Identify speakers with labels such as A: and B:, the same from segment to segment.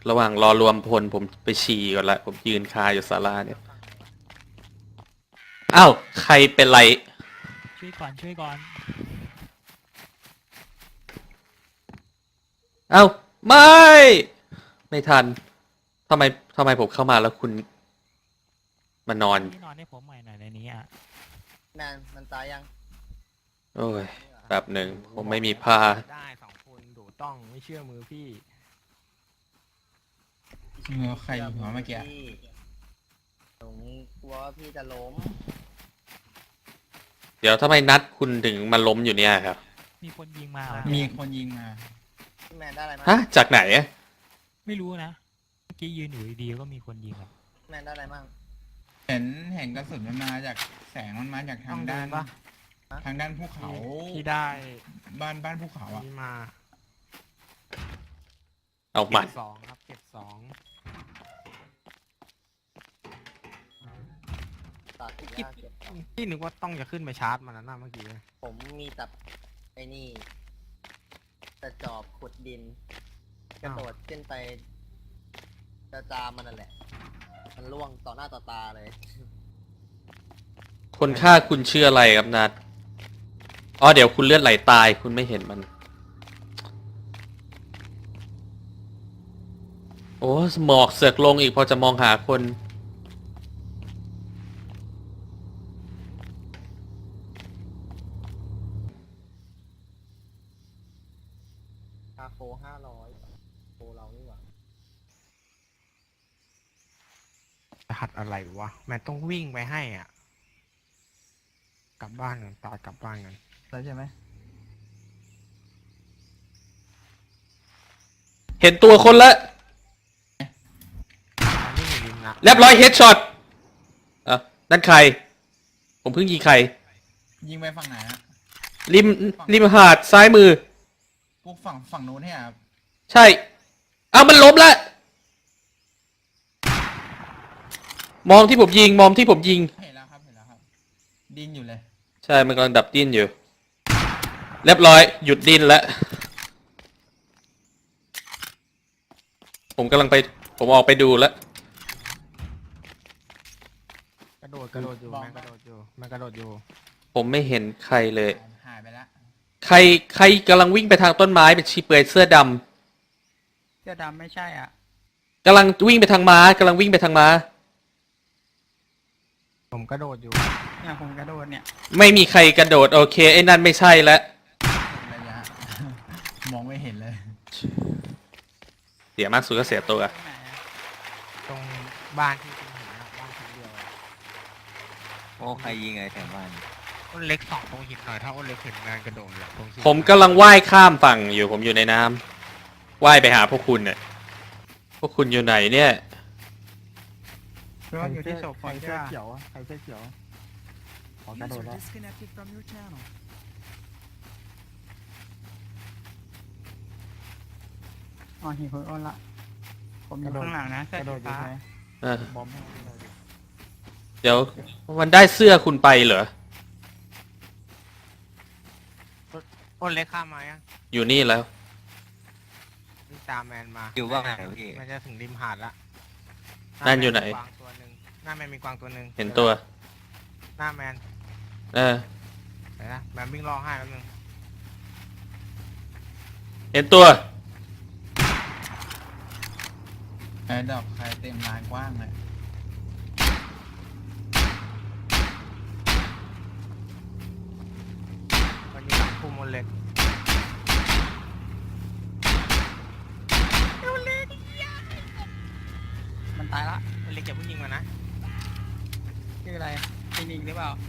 A: ระหว่างรอรวมพลผมไปฉี่ก่อนละผมยืนคาอยู่ศาลาเนี่ยอ้าวใครเป็นไร
B: ช่วยก่อน
A: อ้าวไม่ทันทำไมผมเข้ามาแล้วคุณมานอน
B: นอนให้ผมใหม่หน่อยในนี้อ่ะ
C: แมนมันตายยัง
A: โอ้ยแบบหนึ่งผมไม่มีผ้า
D: ได้2 คนดูต้องไม่เชื่อมือพี่
E: มือใครหัวเมื่อกี้
C: ผมกลัวว่าพี่จะล้ม
A: เดี๋ยวทำไมนัดคุณถึงมาล้มอยู่เนี่ยครับ
B: มีคนยิงมา
E: มีคนยิงมา
C: พี่แมนได้อะไรมา
A: ฮะจากไหนอะ
B: ไม่รู้นะเมื่อกี้ยืนอยู่ดีๆก็มีคนยิงอ่ะ
C: แมนได้อะไรมั่ง
E: เห็นกระสุนมันมาจากแสงมันมาจากทางด้านทางด้านภูเขา
D: ที่ได้
E: บ้านภูเขาอ่ะ
D: ที่มา
A: เอาหมัด
D: 2ครับเก็บ2
C: ตัดยากเก็บ
D: พี่นึกว่าต้องจะขึ้นไปชาร์จมันนะเมื่อกี้
C: ผมมีแต่ไอ้นี่แต่จอบขุดดินกระโดดขึ้นไปจะจามมันนั่นแหละมันล่วงต่อหน้าต่อตาเลย
A: คนฆ่าคุณชื่ออะไรครับนัดอ๋อเดี๋ยวคุณเลือดไหลตายคุณไม่เห็นมันโอ้หมอกเสือกลงอีกพอจะมองหาคน
C: คาโฟ500โฟเรานี่หว่า
D: รหัสอะไรวะแม่ต้องวิ่งไปให้อ่ะกลับบ้านกันกลับบ้านกัน
E: แล้วใช่ไหม
A: เห็นตัวคนละเรียบร้อยเฮดช็อตนั่นใครผมเพิ่งยิงใคร
E: ยิงไปฝั่งไหนฮะ
A: ริมหาดซ้ายมือ
E: พวกฝั่งนู้นเนี่ยครับ
A: ใช่เอามันล้มละมองที่ผมยิง
E: เห็นแล้วครับดิ้นอยู่เลย
A: ใช่มันกำลังดับดิ้นอยู่เรียบร้อยหยุดดิ้นแล้วผมออกไปดูแล้ว
D: กระโดดอยู่มันกระโดดอยู่
A: ผมไม่เห็นใครเลย
E: หายไปแล้ว
A: ใครกำลังวิ่งไปทางต้นไม้เป็นชีเปลือยเสื้อดำ
E: ไม่ใช่อ่ะ
A: กำลังวิ่งไปทางม้า
D: ผมกระโดดอยู่
E: เนี่ยผมกระโดดเนี่ย
A: ไม่มีใครกระโดดโอเคไอ้นั่นไม่ใช่แล้ว
E: ระยะมองไม่เห็นเลย
A: เสียมากสุดก็เสียตัว
D: ตรงบ้านที่คุณเห็นนะบ้านชั้นเดียว
C: โอ้ใครยิงไงแถวบ้าน
D: อ้นเล็ก2ตรงหินหน่อยถ้าอ้นเล็กเห็นงานกระโดดเลย
A: ผมกำลังว่ายข้ามฝั่งอยู่ผมอยู่ในน้ำว่ายไปหาพวกคุณเนี่ยพวกคุณอยู่ไหนเนี่ย
E: เพราะว่าอยู่ที่ศพใครเสื้อเขียว
D: ขอกระโดดแล้ว
E: อ๋อเห็นคนอ้นละผมอยู่ข้างหลังนะกระโดดอยู่ไหมบอม
A: เดี๋ยวมันได้เสื้อคุณไปเหรอ
D: อ้นเล็กข้ามมายัง
A: อยู่นี่แล้ว
D: นี่ตามแมนมา
C: อยู่ว่าไงพี่
D: มันจะถึงริมหาดละ
A: นั่นอยู่ไหน
D: หน้าแมนมีกวางตัวหนึ่ง
A: เห็นตัว
D: หน้าแมนไหนนะแมนวิ่งรอให้แป๊บนึง
A: เห็นตัว
E: ไอ้ดอกใครเต็มลานกว้างเลย
D: มันอยู่หลังพุ่มมันเล็กมันตายละมันเล็กอย่าเพิ่งยิงมันนะชื่ออะไรฟินิกหรือเปล่า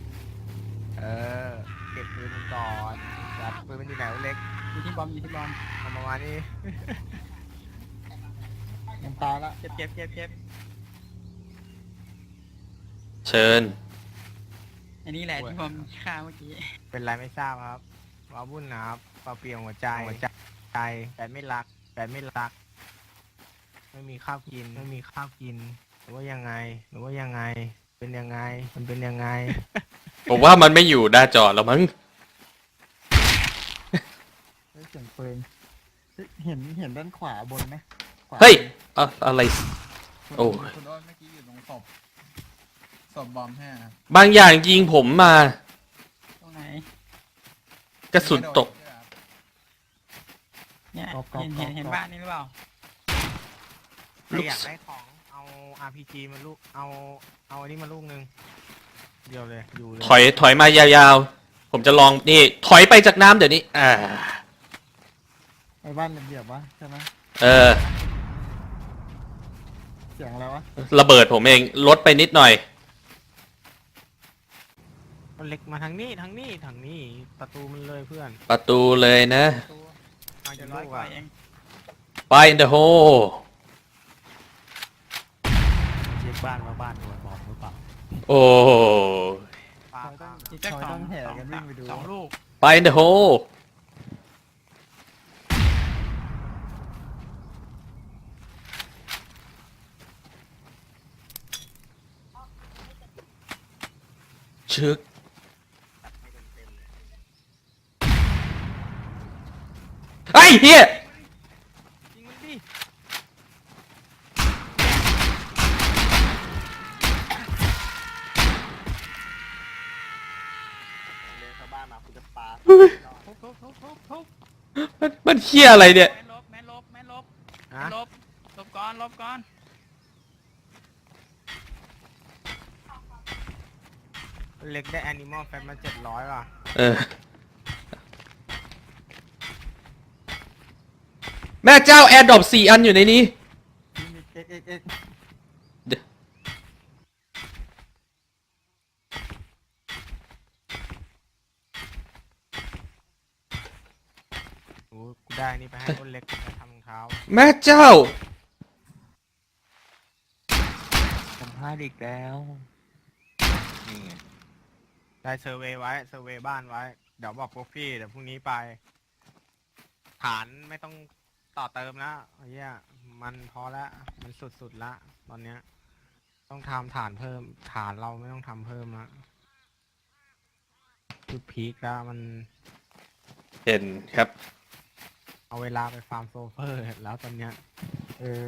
D: เก็บปืนมันก่อนจับปืนมันอยู่ไหนเล็กอยู่ที่บอมเอามาวันนี้มันตายละเก็บ
A: เชิญ
E: อันนี้แหละที่ผมฆ่าเมื่อกี้
D: เป็นไรไม่ทราบครับว้าวุ่นนะครับเปล่าเปลี่ยนหัวใจแต่ไม่รักไม่มีข้าวกินหรือว่ายังไงเป็นยังไงมันเป็นยังไง
A: ผมว่ามันไม่อยู่หน้าจอแล้วมั้ง
E: เสียงปืนเห็นด้านขวาบนไหมข
A: เฮ้ยอะไร โอ้
E: คุณโอ้นเมื่อกี้อยู่ตรงศพบอมใช่ไหมครับ
A: บางอย่างยิงผมมา
F: ตรงไหน
A: กระสุนตก
F: เนี่ย
D: กรอบกรอบ
F: เห็น
D: กรอบ
F: บ้านนี้หรือเปล่า
D: ใครอยากได้ของเอา RPG มาลูกเอาอันนี้มาลูกนึงเดียวเลยอยู่เลย
A: ถอยมายาวๆ ผมจะลองนี่ ถอยไปจากน้ำเดี๋ยวนี้
G: ไอ้บ้านเหยียบวะใช่ไหม
A: เออ
G: เสียงอะไรวะ
A: ระเบิดผมเองลดไปนิดหน่อย
D: มันเล็กมาทางนี้ประตูมันเลยเพื่อน
A: ประตูเลยนะ
D: มา
F: เดี๋
D: จะ
F: ยว
D: ลู
F: ร้อย
D: ก
F: กว่า
D: อ่ะ
F: เอง
A: Fire in the hole
B: เรียกบ้านว่าบ้านโดนบอมหรือเปล่า
A: โอ้
D: ปา
G: เขาต้อง
F: อีกสัก
G: เขา
F: สอ
G: ต้อง งแห่กันวิ่งไปดู
F: สองลูก
A: Fire in the hole ชึกไอ้เหี้ย
D: ยิงมันดิ
C: เดินเข้าบ้านมาคุณจะปา
F: ทุบ
A: มันเหี้ยอะไรเนี่ย
F: แม่นลบแม่นลบแม่นลบ
D: ฮะ
F: ลบลบก่อนลบก่อน
D: เล็กได้ Animal Fat มา700ว่ะ
A: เออ แม่เจ้าแอร์ดรอป4 อันอยู่ในนี้
G: เอ็ก
D: โอ้กูได้นี่ไปให้คนเล็กไปทำรองเท้า
A: แม่เจ้า
B: ผมพลาดอีกแล้วนี่ไง
D: ได้เซอร์เวย์ไว้เซอร์เวย์บ้านไว้ เดี๋ยวบอกพวกพี่เดี๋ยวพรุ่งนี้ไป ฐานไม่ต้องต่อเติมแล้วไอ้เหี้ยมันพอละมันสุดๆละตอนเนี้ย ต้องทำฐานเพิ่ม ฐานเราไม่ต้องทำเพิ่มละจุดพีคแล้วมัน
A: เห็นครับ
D: เอาเวลาไปฟาร์มโซเฟอร์แล้วตอนเนี้ย